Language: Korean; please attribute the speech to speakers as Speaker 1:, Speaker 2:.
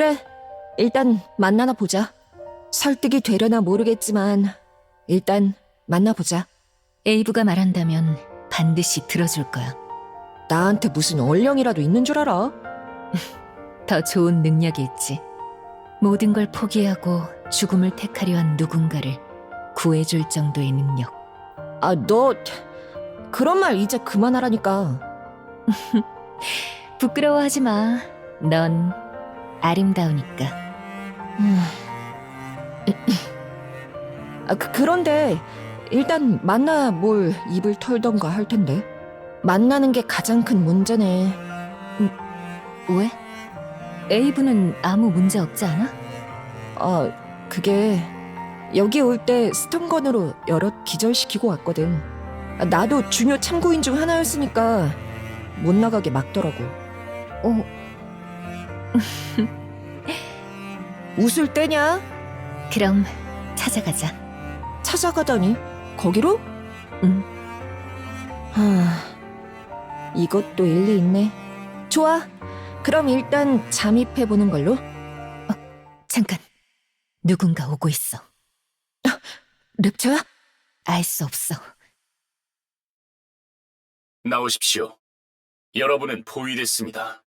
Speaker 1: 그래, 일단 만나나 보자. 설득이 되려나 모르겠지만 일단 만나보자.
Speaker 2: 에이브가 말한다면 반드시 들어줄 거야.
Speaker 1: 나한테 무슨 얼령이라도 있는 줄 알아?
Speaker 2: 더 좋은 능력이 있지. 모든 걸 포기하고 죽음을 택하려 한 누군가를 구해줄 정도의 능력.
Speaker 1: 아, 너 그런 말 이제 그만하라니까.
Speaker 2: 부끄러워하지 마. 넌 아름다우니까.
Speaker 1: 그런데 일단 만나 뭘 입을 털던가 할 텐데. 만나는 게 가장 큰 문제네.
Speaker 2: 왜? 에이브는 아무 문제 없지 않아?
Speaker 1: 그게 여기 올 때 스턴건으로 여럿 기절시키고 왔거든. 나도 중요 참고인 중 하나였으니까 못 나가게 막더라고. 웃을 때냐?
Speaker 2: 그럼 찾아가자.
Speaker 1: 찾아가다니? 거기로?
Speaker 2: 응.
Speaker 1: 이것도 일리 있네. 좋아. 그럼 일단 잠입해보는 걸로.
Speaker 2: 잠깐. 누군가 오고 있어.
Speaker 1: 랩처야?
Speaker 2: 알 수 없어.
Speaker 3: 나오십시오. 여러분은 포위됐습니다.